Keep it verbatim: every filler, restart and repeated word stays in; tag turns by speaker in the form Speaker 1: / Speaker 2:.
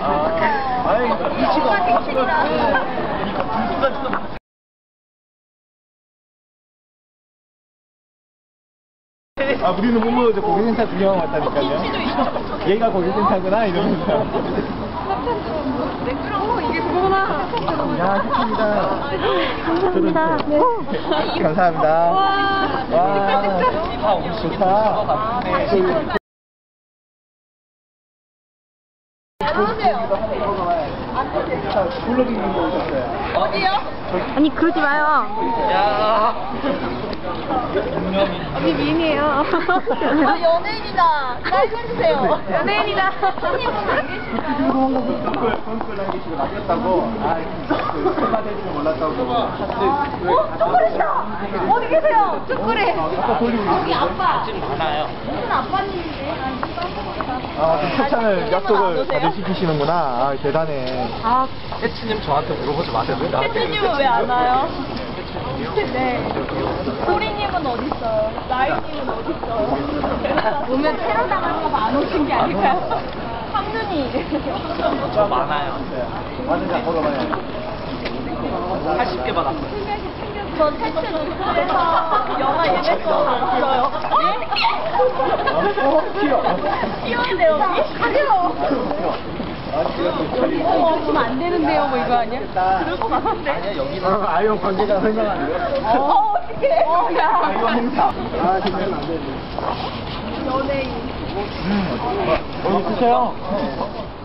Speaker 1: 아, 아이, 위치가 위치가 이거 분수가 아, 우리는 못 이제 고객센터 구경 왔다니까요. 얘가 고객센터구나 이러면서.
Speaker 2: 어, 이게 그거구나.
Speaker 1: 야, 좋습니다.
Speaker 2: 감사합니다. 네.
Speaker 1: 감사합니다.
Speaker 2: 와,
Speaker 1: 와, 좋다. 블로깅 거 오셨어요.
Speaker 2: 어디요? 아니 그러지 마요.
Speaker 1: 야.
Speaker 2: 언니 미인이에요. 아 연예인이다. 사인 해주세요. 연예인이다. 손님은 안 계시나요?
Speaker 1: 손글 안 계시고 낚였다고. 아, 그만 될줄 몰랐다고.
Speaker 2: 어? 쭈꾸리다. 어디 계세요? 쭈꾸리.
Speaker 1: 아까 돌리고
Speaker 2: 여기 아빠.
Speaker 1: 지금 많아요.
Speaker 2: 무슨 아빠님인데?
Speaker 1: 아, 그 협찬을 약속을 다들 시키시는구나. 아, 대단해.
Speaker 2: 아,
Speaker 1: 해치님 저한테 물어보지 마세요. 왜 나한테
Speaker 2: 혜진님은 왜 안 와요? 네. 소리님은 어디 있어요? 나이님은 어디 있어요? 오면 테러 당할까봐 안 오신 게 아닐까요? 황눈이.
Speaker 1: 저 많아요. 많은 자 걸어봐요. 팔십 개 받았어요.
Speaker 2: 저 태츠 뉴스에서 영화 예매 거 봤어요.
Speaker 1: 어? 튀어.
Speaker 2: 튀었는데 여기? 가려. 어, 그럼 안 되는데요, 뭐 이거 아니야? 그럴 것 같은데.
Speaker 1: 아니야, 여기는. 어, 아이온 관계자 설명하는 거.
Speaker 2: 어, 어떡해. 어, 야.
Speaker 1: 아이온 행사. 아, 진짜 안 되는데.
Speaker 2: 연예인.
Speaker 1: 음. 어, 이거 드세요.